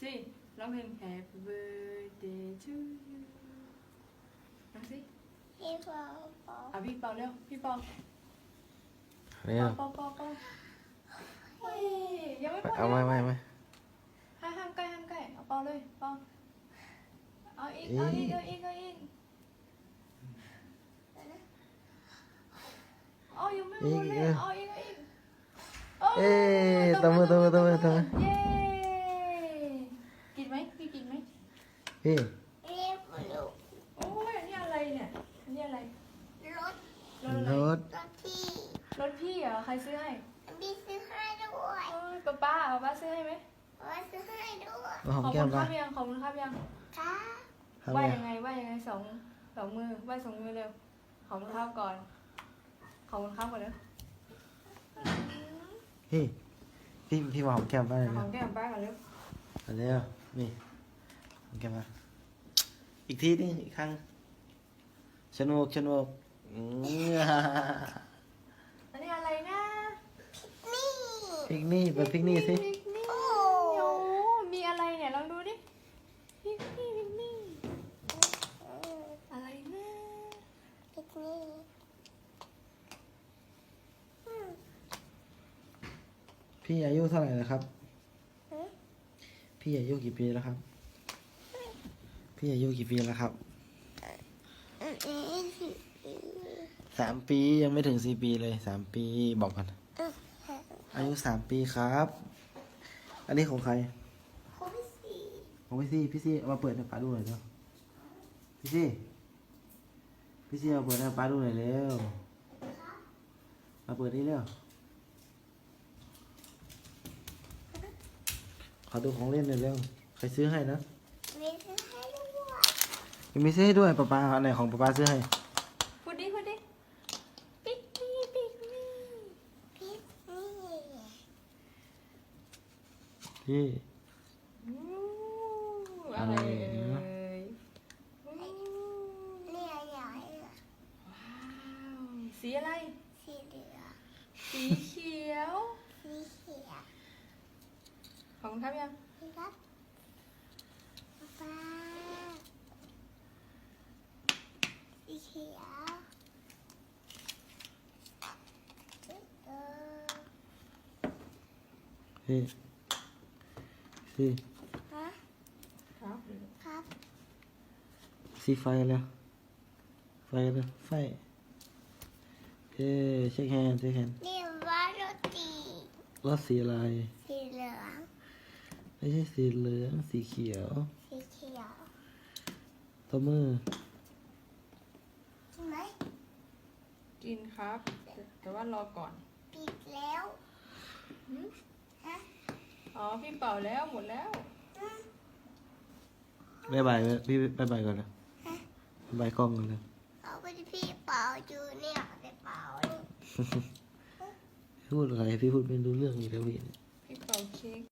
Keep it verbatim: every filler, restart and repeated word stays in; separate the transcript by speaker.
Speaker 1: สิร้องเพลง Happy Birthday to you ร้องสิ
Speaker 2: พี่เปาเปา
Speaker 1: อ่ะพี่เปาเร็วพี่เปา
Speaker 3: เร็ว
Speaker 1: เปาเปาเปาเฮ้ยยังไม่พอ
Speaker 3: เอาไม่ไม่ไม่
Speaker 1: ห้ามห้ามใกล้ห้ามใกล้เอาเปาเลยเปาเอาอีกเอาอีกเอาอีกเอาอีกเอายังไม่หมดเลยเอาอีกเอาอีก
Speaker 3: เอ๊ะตบมือตบมือตบมือตบมือ
Speaker 1: เย้กินไหมพี่กินไหม
Speaker 3: พี่
Speaker 2: เรียบลูก
Speaker 1: โอ้ยอันนี้อะไรเนี่ยอันนี้อะไร
Speaker 2: รถ
Speaker 1: รถอะไร
Speaker 3: รถ
Speaker 2: รถที่
Speaker 1: รถพี่เหรอใครซื้อให้
Speaker 2: พี่ซื้อให้ด้วย
Speaker 1: เอ้ยป้าป้าเอาป้าซื้อให้ไหม
Speaker 2: ว่าซื้อให้ด้วย
Speaker 3: มาหอม
Speaker 1: ขอบ
Speaker 3: แก้
Speaker 1: คุ
Speaker 3: ม
Speaker 1: ณค
Speaker 3: กั
Speaker 1: รั
Speaker 3: น
Speaker 1: บยังขอบคุณครับยัง
Speaker 2: ค่ะ
Speaker 3: ครับ
Speaker 1: ว่า
Speaker 3: เนี่ย
Speaker 1: ยังไงว่ายังไงสองสองมือว่าสองมือเร็วขอบคุณครับก่อนขอบคุณครับก่อนเร็ว
Speaker 3: พี่พี่พี่มาหอมแก้มป้าเลย
Speaker 1: ข
Speaker 3: นะ
Speaker 1: อบแก้มป้าก่อนเร็ว
Speaker 3: เอาเร็วนี่หอมแก้มมาอีกทีนึงอีกครั้งชนกชนกอืม
Speaker 1: อันนี้อะไรนะ
Speaker 2: นี่
Speaker 3: พิกนี่เปิดพิกนี่สิ
Speaker 1: พิกนี่โอ้มีอะไรเนี่ยลองดูดิพิกนี่พิกนี่อะไรนะ
Speaker 2: ปิกนี่อืม
Speaker 3: พี่อายุเท่าไหร่แล้วครับ
Speaker 2: หือ
Speaker 3: พี่อายุกี่ปีแล้วครับ พี่อายุกี่ปีแล้วครับ
Speaker 2: อืมอืมอืม
Speaker 3: สามปียังไม่ถึงสี่ปีเลยสามปีบอกกัน
Speaker 2: อืม
Speaker 3: อายุสามปีครับ อันนี้ของใคร
Speaker 2: คนที่สี่
Speaker 3: ของพี่ซี่พี่ซี่เอามาเปิดให้ป้าดูหน่อยเร็วพี่ซี่พี่ซี่เอาเปิดให้ป้าดูหน่อยเร็วมาเปิดนี่เร็วขอดูของเล่นหน่อยเร็วใครซื้อให้นะ
Speaker 2: มีซื้อให้ด้วย
Speaker 3: ยังมีซื้อให้ด้วยป้าป้าอันไหนของป้าป้าซื้อให้
Speaker 1: พูดดิพูดดิพิกนี่พิกนี่
Speaker 2: ปิกนี่
Speaker 3: พี่
Speaker 1: อู้อะไรเอ่ยอู้
Speaker 2: เนี่ยใหญ่อะ
Speaker 1: ว้าวสีอะไร
Speaker 2: สีเหลือง
Speaker 1: สีเขียว
Speaker 2: สีเขียว
Speaker 1: ขอบคุณครับยัง
Speaker 2: พี่ครับป๊าสีเขียวเออ
Speaker 3: พี่พี่
Speaker 2: ฮะ
Speaker 1: ครับ
Speaker 2: ครับ
Speaker 3: สีไฟแล้วไฟแล้วไฟเอ้เช็คแฮนด์เช็คแฮนด์
Speaker 2: นี่ว่าโรตี
Speaker 3: รถสีอะไร
Speaker 2: สีเหลือง
Speaker 3: ไม่ใช่สีเหลืองสีเขียว
Speaker 2: สีเขียว
Speaker 3: ตัวมือ
Speaker 2: ใช่ไหม
Speaker 1: กินครับ แต่ว่ารอก่อน
Speaker 2: ปิดแล้ว
Speaker 1: หืม
Speaker 2: ฮะ
Speaker 1: อ๋อพี่เป่าแล้วหมดแล้ว
Speaker 2: อืม
Speaker 3: บายบายพี่บายบายก่อนนะบายบายกล้องก่อนเลย
Speaker 2: เอาไปที่พี่เป่าอยู่เนี่ยไปเป่านี่
Speaker 3: พูดอะไรพี่พูดไม่รู้เรื่องอีกแล้วพี่
Speaker 1: พี่เป่าเค้ก